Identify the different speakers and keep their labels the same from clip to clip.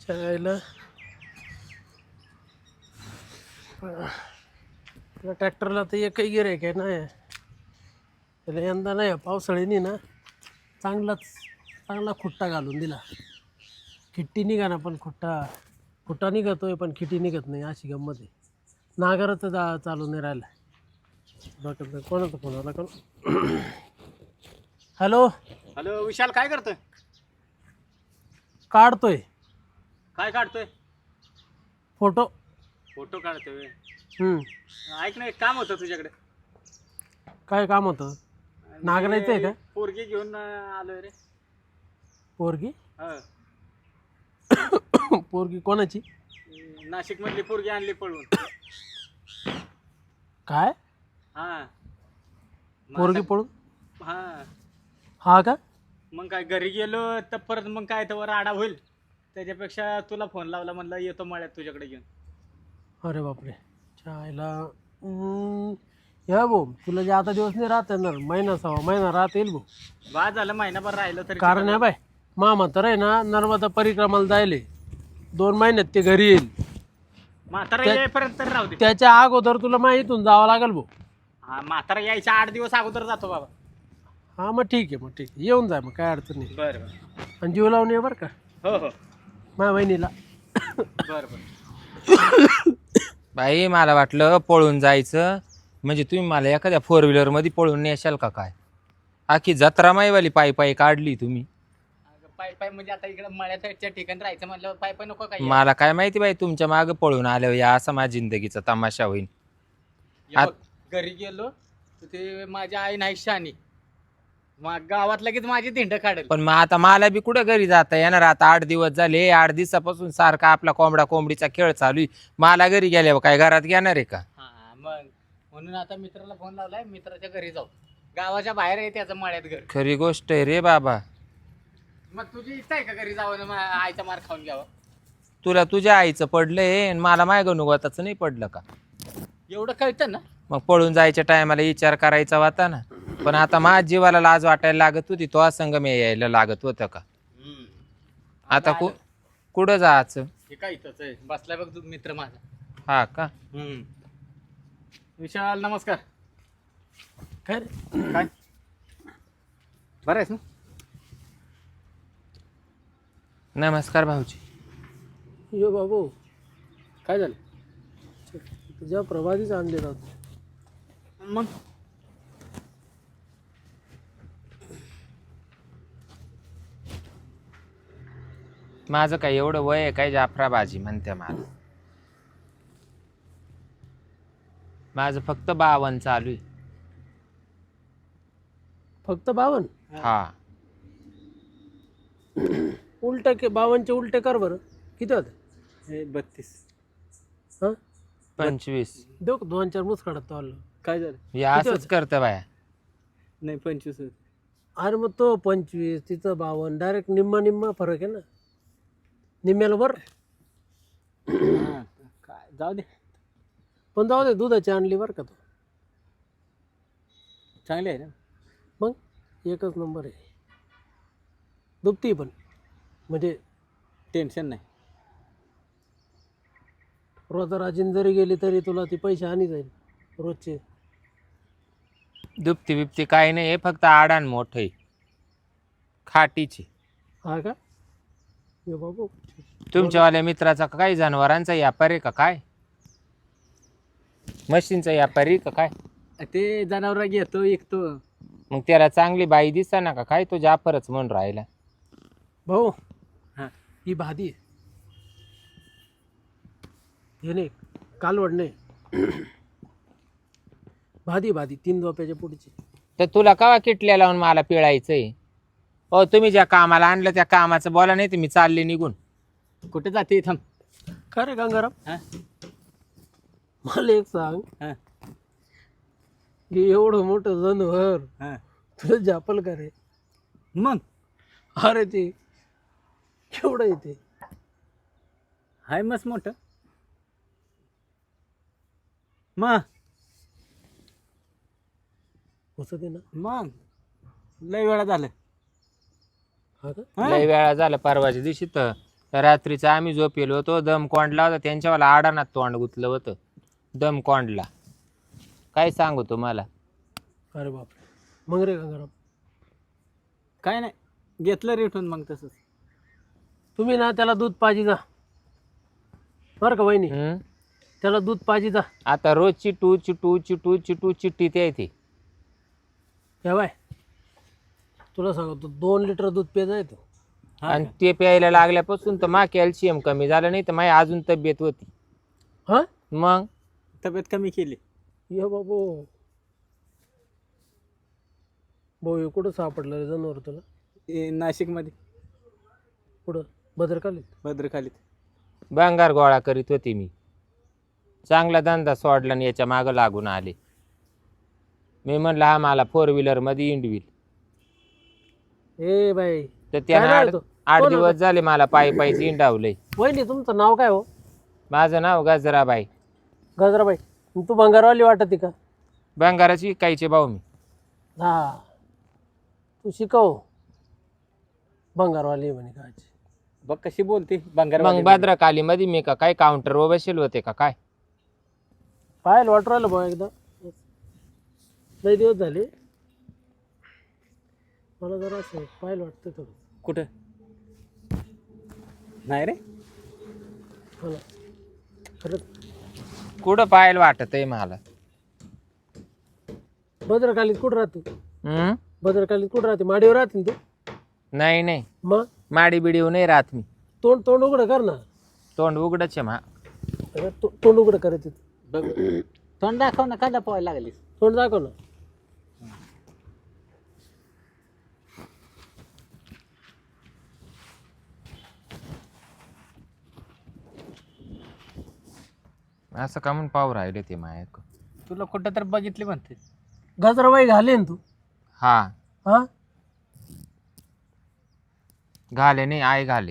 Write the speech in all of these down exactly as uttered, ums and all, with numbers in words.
Speaker 1: त्याला ट्रॅक्टरला तर एकही गिऱ्हाईक आहे ना त्याला यंदा नाही पावसाळ्यानी ना चांगलाच चांगला खुट्टा घालून दिला. खिट्टी निघा ना पण खुट्टा खुट्टा निघतोय पण खिट्टी निघत नाही अशी गंमत आहे. नागाराचं जा चालू नाही राहिलं. डॉक्टर कोणाचा फोन आला का? हॅलो
Speaker 2: हॅलो विशाल, काय करतोय?
Speaker 1: काढतोय
Speaker 2: काय काढतोय?
Speaker 1: फोटो.
Speaker 2: फोटो काढतोय.
Speaker 1: हम्म.
Speaker 2: ऐक ना, एक काम होतं तुझ्याकडे.
Speaker 1: काय काम होतं? नांगरायचं आहे का?
Speaker 2: पोरगी घेऊन आलोय रे.
Speaker 1: पोरगी?
Speaker 2: हा.
Speaker 1: पोरगी कोणाची?
Speaker 2: नाशिक मधली पोरगी आणली पळून.
Speaker 1: काय?
Speaker 2: हा.
Speaker 1: पोरगी पळून?
Speaker 2: हा.
Speaker 1: हा का?
Speaker 2: मग काय घरी गेलो तर परत मग काय तर आडा होईल, त्याच्यापेक्षा तुला फोन लावला, म्हणलं येतो मळ्यात तुझ्याकडे घेऊन.
Speaker 1: अरे बापरे. चायला या भाऊ तुला जे आता दिवस नाही राहत येणार, महिना सहा महिना राहत येईल भाऊ.
Speaker 2: बा झालं महिनाभर राहिलं तरी.
Speaker 1: कारण आहे बाय मामा तर आहे ना नर्मदा परिक्रमाला जायले दोन महिन्यात ते घरी येईल.
Speaker 2: म्हातारा येईपर्यंत तर राहू दे.
Speaker 1: त्याच्या अगोदर तुला माहितून जावं लागेल भाऊ.
Speaker 2: हा, म्हातारा यायच्या आठ दिवस अगोदर जातो बाबा.
Speaker 1: हा मग ठीक आहे, मग ठीक आहे येऊन जाय, मग काय अडचण नाही.
Speaker 2: बरं बरं.
Speaker 1: आणि जीव लावून ये बरं का
Speaker 2: हो हो.
Speaker 1: माझ्या बहिणीला.
Speaker 2: बरं बरं.
Speaker 3: बाई मला वाटलं पळून जायचं म्हणजे तुम्ही मला एखाद्या फोर व्हीलर मध्ये पळून नेशाल का काय? आखी जत्रा माईवाली पायी पायी काढली तुम्ही.
Speaker 2: पाय पाय म्हणजे आता इकडे मळ्याच्या ठिकाणी राहायचं म्हणलं पाय पाय नको काय?
Speaker 3: मला काय माहिती बाई तुमच्या मागे पळून आल्यावर या असा माझ्या जिंदगीचा तमाशा होईल.
Speaker 2: हे बघ, घरी गेलो तर ते माझ्या आई नाही शानी, मग गावात लगेच माझी धिंड काढेल.
Speaker 3: पण मग आता मला बी कुठं घरी जाता येणार? आता आठ दिवस झाले, आठ दिवसापासून सारखा आपला कोंबडा कोंबडीचा खेळ चालू आहे. मला घरी गेल्यावर काय घरात घेणार आहे का?
Speaker 2: हा मग म्हणून आता मित्राला फोन लावलाय, मित्राच्या घरी जाऊ. गावाच्या बाहेर आहे त्याचं मळ्यात घर.
Speaker 3: खरी गोष्ट आहे रे बाबा.
Speaker 2: मग तुझी इच्छा आहे का घरी जावं ना आईचा मार खाऊन घ्यावं?
Speaker 3: तुला तुझ्या आईचं पडलंय आणि मला माय गणुगताचं नाही पडलं का?
Speaker 2: एवढं कळतं ना.
Speaker 3: मग पळून जायच्या टायमाला विचार करायचा होता ना. पण आता माझ्या जीवाला लाज वाटायला लागत होती, तो संग मी यायला लागत होतं का? आता कु कुठं जायचं?
Speaker 2: हे काय इथंच आहे बसलाय बघ तू मित्र माझा.
Speaker 3: हा का?
Speaker 2: हम्म. विशाल नमस्कार.
Speaker 1: काय रे?
Speaker 2: काय बरं आहेस ना?
Speaker 3: नमस्कार भाऊजी.
Speaker 1: यो बाबू
Speaker 2: काय झालं?
Speaker 1: तुझ्या प्रभातीच आणले जात.
Speaker 2: मग
Speaker 3: माझं काय एवढं वय आहे काय जाफराबाजी म्हणते मला? माझं फक्त बावन चालू आहे.
Speaker 1: फक्त बावन?
Speaker 3: हा.
Speaker 1: उलट के बावनचे उलटे कर बरं. किती होते?
Speaker 2: हे बत्तीस.
Speaker 1: हां
Speaker 3: पंचवीस.
Speaker 1: देऊ का दोन चार मुसकाडात तो आलं.
Speaker 2: काय झालं?
Speaker 3: हे असंच करतं बाया.
Speaker 2: नाही पंचवीस.
Speaker 1: अरे मग तो पंचवीस तिथं बावन डायरेक्ट निम्मा निम्मा फरक आहे ना. निम्म्याला बरं
Speaker 2: काय जाऊ दे.
Speaker 1: पण जाऊ दे दुधाची आणली बरं का तो.
Speaker 2: चांगले आहे ना.
Speaker 1: मग एकच नंबर आहे. दुभती पण म्हणजे
Speaker 2: टेन्शन नाही.
Speaker 1: रोजा राजीन जरी गेली तरी तुला ती पैसे आणि जाईल रोजचे.
Speaker 3: दुपती बिपती काही नाही, हे फक्त आडान मोठ आहे खाटीची.
Speaker 1: हा का? यो बाबू
Speaker 3: तुमच्यावाल्या मित्राचा का काही जनावरांचा व्यापार आहे का काय? मशीनचा व्यापारी आहे का काय?
Speaker 2: ते जनावर घेतो विकतो.
Speaker 3: मग त्याला चांगली बाई दिसा ना का काय? तो जाफरच म्हणून राहिला.
Speaker 1: भाऊ
Speaker 2: हा.
Speaker 1: ही भादी आहे. हे नाही कालवड नाही. भादी भादी तीन दोप्याच्या पुढची.
Speaker 3: तर तुला कवा किटल्या लावून मला पिळायचंय? हो तुम्ही ज्या कामाला आणलं त्या कामाचं बोला, नाही तर मी चालले निघून.
Speaker 2: कुठे जाते थांब.
Speaker 1: का रे गंगाराम?
Speaker 2: हा?
Speaker 1: मला एक सांग,
Speaker 2: हा.
Speaker 1: हे एवढं मोठं जनावर
Speaker 2: हा.
Speaker 1: तुला जापल का रे?
Speaker 2: मग
Speaker 1: अरे ते केवढं येते?
Speaker 2: हाय मस्त मोठं. मग
Speaker 1: कसं ते ना.
Speaker 2: मग लय वेळा झालं.
Speaker 1: हा का?
Speaker 2: हा?
Speaker 3: लय वेळा झाला. परवाच्या दिवशी तर रात्रीचं आम्ही झोपेलो होतो, दम कोंडला होता त्यांच्यावाला आडानात तोंड गुतलं होतं, दम कोंडला. काय सांगू तुम्हाला.
Speaker 1: अरे बापरे. मग रे गंगाराम,
Speaker 2: काय नाही घेतलं रिटून मग तसंच.
Speaker 1: तुम्ही ना त्याला दूध पाजी जा बरं का वहिनी,
Speaker 3: हम्म?
Speaker 1: त्याला दूध पाजी जा.
Speaker 3: आता रोज चिटू चिटू चिटू चिटू चिट्टी ते येते.
Speaker 1: या बाय, तुला सांगतो दोन लिटर दूध पेजा येतो.
Speaker 3: आणि ते प्यायला लागल्यापासून तर मा कॅल्शियम कमी झालं, नाही तर माझी अजून तब्येत होती.
Speaker 1: हा
Speaker 3: मग
Speaker 2: तब्येत कमी केली.
Speaker 1: ये बाबू भाऊ, हे कुठं सापडलं रे जनावर तुला?
Speaker 2: नाशिक मध्ये
Speaker 1: कुठं? भद्रकालीत?
Speaker 2: भद्रकालीत.
Speaker 3: भंगार गोळा करीत होती मी. चांगला धंदा सोडला आणि याच्या मागं लागून आले. मी म्हणलं हा मला फोर व्हीलर मध्ये इंडविल.
Speaker 1: ए बाई,
Speaker 3: तर त्यानं
Speaker 1: काय
Speaker 3: आठ
Speaker 1: नाव तो?
Speaker 3: आठ
Speaker 1: कोण
Speaker 3: दिवस झाले मला पायी पायी इंडावलंय.
Speaker 1: वहिनी तुमचं नाव काय हो?
Speaker 3: माझं नाव गजराबाई.
Speaker 1: गजराबाई. तू भंगारवाली वाटते का?
Speaker 3: भंगाराची कायचे भाऊ मी.
Speaker 1: हा, तू शिकव भंगारवाली म्हणे काय.
Speaker 2: बघ कशी बोलते बंगार.
Speaker 3: मग भद्रकाली मध्ये मी का काय काउंटर वर बसेल होते का काय?
Speaker 1: पाहायला वाटू राहिलं भाऊ एकदा, लई दिवस झाले मला जरा असं पाहायला वाटतं थोडं.
Speaker 2: कुठं नाही रे.
Speaker 1: मला खरंच
Speaker 3: कुठं पाहायला वाटत आहे मला.
Speaker 1: भद्रकालीत कुठं राहते?
Speaker 3: हम्म?
Speaker 1: भद्रकालीत कुठं राहते? माडीवर राहते ना तू?
Speaker 3: नाही नाही,
Speaker 1: मग
Speaker 3: माडी बिडीव नाही राहत मी.
Speaker 1: तोंड तोंड उघडं कर ना.
Speaker 3: तोंड उघडच आहे मा.
Speaker 1: अगं, तो- तोंड उघडं करायचं.
Speaker 2: बघ तोंड दाखव ना. काय लपवायला लागलीस?
Speaker 1: तोंड दाखव ना.
Speaker 3: असं का म्हणून पाहू राहिले ते मायक.
Speaker 2: तुला कुठं तर बघितले म्हणते.
Speaker 1: गजराबाई घाले ना तू?
Speaker 3: हा
Speaker 1: हा,
Speaker 3: घाले नाही, आय घाले.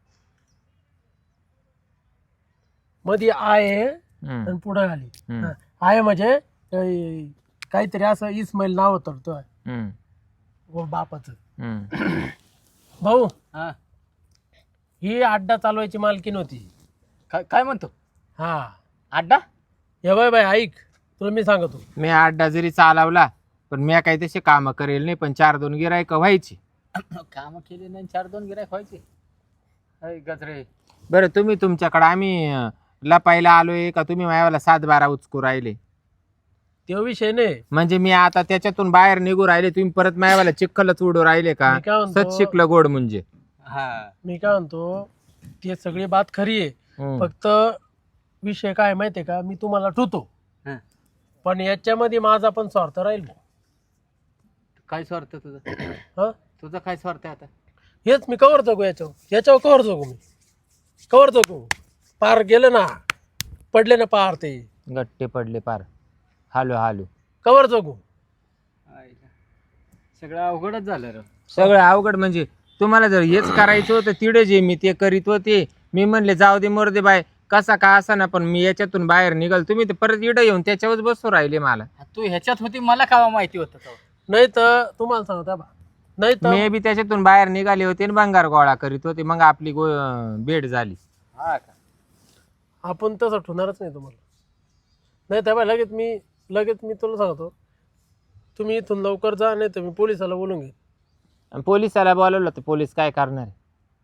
Speaker 1: मध्ये आहे
Speaker 3: हम्म,
Speaker 1: आणि पुढं घाली.
Speaker 3: हम्म,
Speaker 1: हा, आहे म्हणजे अं, काहीतरी असं इस्माईल नाव होतं तो
Speaker 3: हम्म,
Speaker 1: व बापाचं.
Speaker 3: हम्म.
Speaker 1: भाऊ,
Speaker 2: हा
Speaker 1: ही अड्डा चालवायची मालकीन होती.
Speaker 2: काय काय म्हणतो?
Speaker 1: हा,
Speaker 2: अड्डा?
Speaker 1: हे बाय बाय ऐक, तुला मी सांगतो.
Speaker 3: मी अड्डा जरी चालवला पण मी काही तसे काम करेल नाही, पण चार दोन गिरायक व्हायची.
Speaker 2: काम केले नाही, चार दोन गिरायक व्हायचे. अय गजरे,
Speaker 3: बरं तुम्ही तुमच्याकडे आम्ही अं, लपायला आलोय का तुम्ही मायावाला सात बारा उचकू राहिले?
Speaker 1: तो विषय नाही.
Speaker 3: म्हणजे मी आता त्याच्यातून बाहेर निघू राहिले, तुम्ही परत मायावाला चिखलच उडू राहिले का?
Speaker 1: मी काय म्हणतो-
Speaker 3: सच शिकलं गोड म्हणजे.
Speaker 2: हा
Speaker 1: मी काय म्हणतो, ते सगळी बात खरी आहे.
Speaker 3: हम्म.
Speaker 1: फक्त विषय काय माहितीये का, मी तुम्हाला ठेवतो
Speaker 2: हा.
Speaker 1: पण याच्यामध्ये माझा पण स्वार्थ राहील.
Speaker 2: काय स्वार्थ तुझा?
Speaker 1: हा,
Speaker 2: तुझा काय स्वार्थ आहे आता?
Speaker 1: हेच मी कवर जगू याच्यावर याच्यावर कवर जगू मी कवर जगू. पार गेलं ना, पडले ना पार, ते
Speaker 3: गट्टे पडले पार. हालू हालू
Speaker 1: कवर जगू.
Speaker 2: आईला. सगळं अवघडच झालं रे.
Speaker 3: सगळं अवघड. म्हणजे तुम्हाला जर हेच करायचं होतं तिडे जे मी ते करीत होते, मी म्हणले जाऊ दे मोर दे बाय कसा का असा ना, पण मी याच्यातून बाहेर निघाल, तुम्ही ते परत इडं येऊन त्याच्यावर बसू राहिले मला.
Speaker 2: तू ह्याच्यात होती, मला कावा माहिती होतं तेव्हा?
Speaker 1: नाही तर तुम्हाला सांगता बा, नाही तर
Speaker 3: मी बी त्याच्यातून बाहेर निघाले होते आणि भंगार गोळा करीत होते, मग आपली गो भेट झाली.
Speaker 2: हा का?
Speaker 1: आपण तसं ठेवणारच नाही तुम्हाला. नाही तर बा लगेच मी लगेच मी तुला सांगतो, तुम्ही इथून लवकर जा, नाही तर मी पोलिसाला बोलून घे.
Speaker 3: आणि पोलिसाला बोलवलं तर पोलीस काय करणार आहे?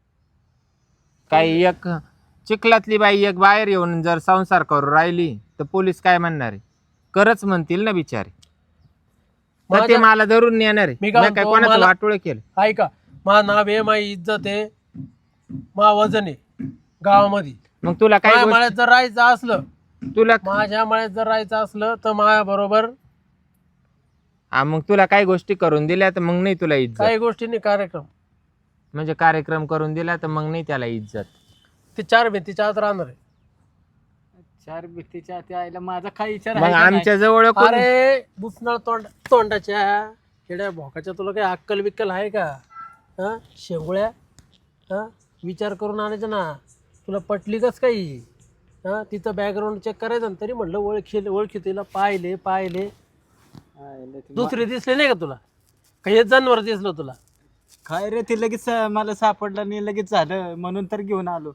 Speaker 3: काही एक चिखलातली बाई एक बाहेर येऊन जर संसार करू राहिली तर पोलीस काय म्हणणार आहे? करच म्हणतील ना बिचारे. तर ते
Speaker 1: माझ्या-
Speaker 3: मला धरून नेणार आहे.
Speaker 1: मी
Speaker 3: मी
Speaker 1: काय
Speaker 3: काय
Speaker 1: म्हणतो,
Speaker 3: कोणाचं
Speaker 1: मला-
Speaker 3: वाटोळ केलं?
Speaker 1: ऐका, मा नाव आहे, माझी इज्जत आहे, मा वजन आहे गावामध्ये.
Speaker 3: मग तुला काय
Speaker 1: माझ्या
Speaker 3: गोष्ट-
Speaker 1: माळ्यात जर राहायचं असलं
Speaker 3: तुला
Speaker 1: माझ्या माळ्यात जर राहायचं असलं तर माझ्या बरोबर
Speaker 3: हा, मग तुला काही गोष्टी करून दिल्या तर मग नाही तुला इज्जत.
Speaker 1: काही गोष्टींनी कार्यक्रम,
Speaker 3: म्हणजे कार्यक्रम करून दिला तर मग नाही त्याला इज्जत.
Speaker 1: ते चार भिंतीच्या आत राहणार आहे.
Speaker 2: चार भीतीच्या त्या आईला माझा काय विचार
Speaker 3: मग
Speaker 2: आहे का नाही?
Speaker 3: आमच्या जवळ कोण-
Speaker 1: अरे बुसनाळ तोंड तोंडाच्या खेड्या भोकाच्या, तुला काही अक्कल बिक्कल आहे का? हा, शेंगुळ्या, हा, विचार करून आणायचं ना. तुला पटली कस काही? हा, तिचं बॅकग्राऊंड चेक करायचं ना, तरी म्हणलं ओळखी ओळखी तिला पाहिले पाहिले
Speaker 2: आईला ते
Speaker 1: दुसरे दिसले नाही का तुला? काही जनावर दिसलं तुला?
Speaker 2: काय रे ते लगेच मला सापडलं नाही लगेच झालं म्हणून तर घेऊन आलो.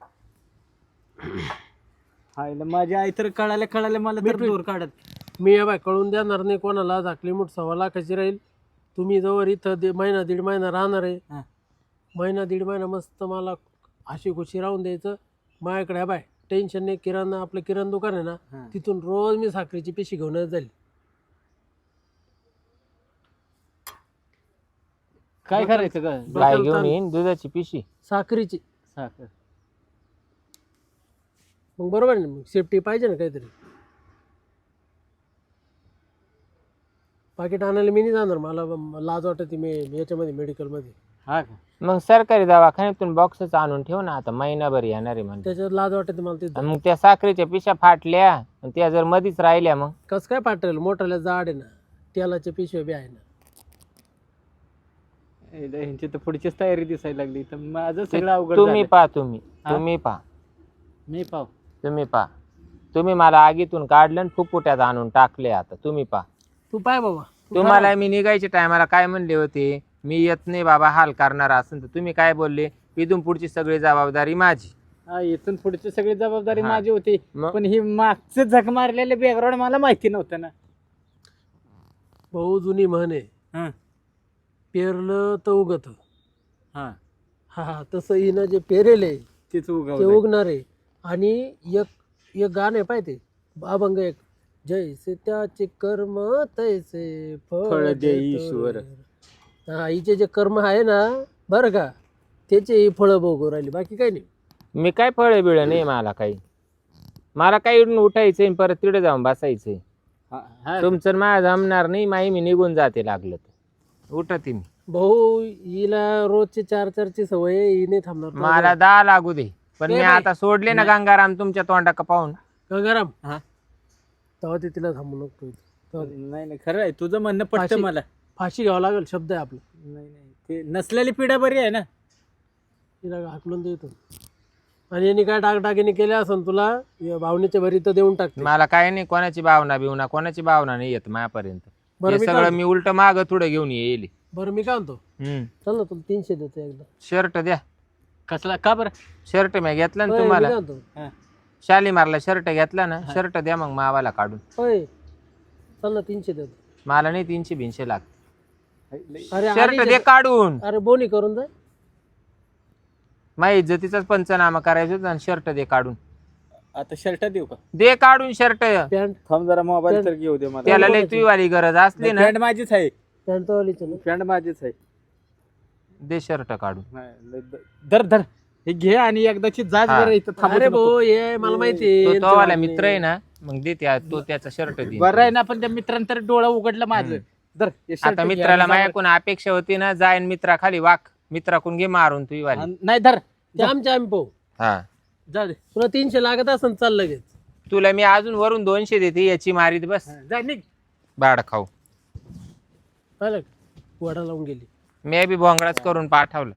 Speaker 2: हायला माझी आई तर कळाले कळाले मला तर दूर काढत.
Speaker 1: मी या बाय कळून देणार नाही कोणाला. झाकली मूठ सव्वा लाखाची राहील. तुम्ही जवळ इथं दे महिना दीड महिना राहणार आहे.
Speaker 2: हा.
Speaker 1: महिना दीड महिना मस्त मला अशी खुशी राहून द्यायचं माझ्याकडे. हा बाय टेन्शन नाही. किराणा आपलं किराणा दुकान आहे ना,
Speaker 2: हा.
Speaker 1: तिथून रोज मी साखरेची पिशी घेऊनच जाईल.
Speaker 2: काय करायचं का
Speaker 3: गाय घेऊन येईन दुधाची पिशी
Speaker 1: साखरेची.
Speaker 2: साखर
Speaker 1: मग बरोबर आहे ना, मग सेफ्टी पाहिजे ना काहीतरी. पाकिट आणायला मी नाही जाणार. मला लाज वाटते मी याच्यामध्ये मेडिकलमध्ये.
Speaker 2: हा का
Speaker 3: मग सरकारी दवाखान्यातून बॉक्सच आणून ठेव ना, आता महिनाभर येणार आहे म्हणजे.
Speaker 1: त्याच्यात लाज वाटते मला. ते
Speaker 3: आणि मग त्या साखरेच्या पिशा फाटल्या आणि त्या जर मधीच राहिल्या मग
Speaker 1: कसं काय पाठवेल. मोठाल्या जाड आहे ना, तेलाच्या पिशव्या बी आहे ना.
Speaker 2: एकदा ह्यांची तर पुढचीच तयारी दिसायला लागली तर माझं सगळं अवघड
Speaker 3: तुम्ही
Speaker 2: झालं.
Speaker 3: पा तुम्ही
Speaker 2: हा?
Speaker 3: तुम्ही पा
Speaker 2: मी पाव
Speaker 3: तुम्ही पा तुम्ही मला आगीतून काढलं आणि फुफुट्यात आणून टाकले. आता तुम्ही पा.
Speaker 1: तू पाय बाबा. तू
Speaker 3: तुम्हाला मी निघायच्या टायमाला काय म्हणले होते, मी येत नाही बाबा हाल करणार असेल तर तुम्ही काय बोलले, इथून पुढची सगळी जबाबदारी माझी.
Speaker 2: हा इथून पुढची सगळी जबाबदारी
Speaker 3: हा.
Speaker 2: माझी होती.
Speaker 3: मग?
Speaker 2: पण ही मागचं झक मारलेले बॅकग्राऊंड मला माहिती नव्हतं ना.
Speaker 1: भाऊ जुनी म्हण आहे,
Speaker 2: हा
Speaker 1: पेरलं तर उगत.
Speaker 2: हा
Speaker 1: हा हा तसं हिनं जे पेरेल आहे
Speaker 2: तीच
Speaker 1: ते
Speaker 2: उगवलंय.
Speaker 1: उगणार आहे. आणि एक एक गाणं आहे पाहिजे अभंग एक, जैसे त्याचे कर्म तैसे
Speaker 2: फळ
Speaker 1: फळ
Speaker 2: दे
Speaker 1: देतो
Speaker 2: ईश्वर.
Speaker 1: रे. हा हिचे जे कर्म आहे ना बरं का, त्याचे फळं भोगू राहिली, बाकी काही नाही.
Speaker 3: मी काय फळे बिळ नाही मला काही. मला काही इकडून उठायचंय आणि परत तिकडे जाऊन बसायचंय.
Speaker 2: हा, हा.
Speaker 3: तुमचं माझं जमणार नाही. माई मी निघून जाते लागलं तर उठते मी.
Speaker 1: भाऊ हिला रोजची चार चारची सवय आहे, ही नाही थांबणार.
Speaker 3: मला दहा लागू दे पण
Speaker 1: ए
Speaker 3: मी
Speaker 1: बाई.
Speaker 3: आता सोडले ना गंगाराम तुमच्या तोंडा का पाहून.
Speaker 1: गंगाराम
Speaker 2: हा.
Speaker 1: तेव्हा ते तिला थांबू नको. तेव्हा ते-
Speaker 2: नाही नाही खरं आहे तुझं म्हणणं पटतं
Speaker 1: फाशी-
Speaker 2: मला.
Speaker 1: फाशी घ्यावं लागेल, शब्द आहे आपला.
Speaker 2: नाही नाही ते नसलेली पिढा बरी आहे ना.
Speaker 1: तिला हाकलून देतो. आणि यांनी काय डागडागिने केल्या असेल तुला, या भावनेच्या भरी तर देऊन टाकते.
Speaker 3: मला काय नाही, कोणाची भावना बिवना कोणाची भावना नाही येत माझ्यापर्यंत.
Speaker 1: बरं
Speaker 3: हे
Speaker 1: मी
Speaker 3: सगळं
Speaker 1: काय
Speaker 3: मी उलट माग थोडं घेऊन येईल.
Speaker 1: बरं मी काय म्हणतो,
Speaker 3: हम्म
Speaker 1: चल ना तुला तीनशे देतो एकदा.
Speaker 3: शर्ट द्या.
Speaker 2: कसला का बरं.
Speaker 3: शर्ट मी घेतला ना
Speaker 1: होय, मी
Speaker 3: तुम्हाला
Speaker 1: काय म्हणतो,
Speaker 2: हा.
Speaker 3: शालीमारला शर्ट घेतला ना, शर्ट द्या मग मावाला काढून.
Speaker 1: होय चल ना तीनशे देतो.
Speaker 3: मला नाही तीनशे भिनशे लागत.
Speaker 1: अरे
Speaker 3: शर्ट
Speaker 1: आधीच-
Speaker 3: दे काढून.
Speaker 1: अरे बोनी करून जाय.
Speaker 3: माझ्या इज्जतीचाच पंचनामा करायचा होता आणि शर्ट दे काढून.
Speaker 2: आता शर्ट देऊ का.
Speaker 3: दे काढून शर्ट.
Speaker 1: पॅन्ट
Speaker 2: थांब जरा मोबाईल तर घेऊ दे मला.
Speaker 3: त्याला लय तुझीवाली गरज असली ना,
Speaker 2: पॅन्ट माझीच आहे.
Speaker 1: पॅन्ट तो वालीच ना.
Speaker 2: पॅन्ट माझीच आहे.
Speaker 3: दे शर्ट काढून.
Speaker 2: नाही, लय द- धर धर हे घे आणि एकदाची जाच
Speaker 3: हा.
Speaker 2: बरं इथं थांबू
Speaker 1: अरे
Speaker 2: नको.
Speaker 1: भाऊ ये मला माहिती
Speaker 3: तो तो वाला मित्र आहे ना, मग दे त्या तो त्याचा शर्ट दे.
Speaker 2: बरं आहे ना पण त्या मित्रांनी तर डोळा उघडलं माझं. धर हे shirt
Speaker 3: आता
Speaker 2: घे
Speaker 3: मित्राला
Speaker 2: आणि जा
Speaker 3: माझ्याकडून अपेक्षा होती ना, जाईन मित्रा खाली वाक, मित्राकडून घे मारून तुझी वाली.
Speaker 2: बरं. नाही धर
Speaker 1: ते आमच्या आम्ही पाहू.
Speaker 3: हा
Speaker 2: जा दे.
Speaker 1: तुला तीनशे लागत असेल चाल लगेच.
Speaker 3: तुला मी अजून वरून दोनशे देते, याची मारीत बस.
Speaker 2: हा, जा निघ.
Speaker 3: बाड खाऊ.
Speaker 1: पाहिलं का? वडा लावून गेली.
Speaker 3: मी बी भोंगळाच करून पाठवलं.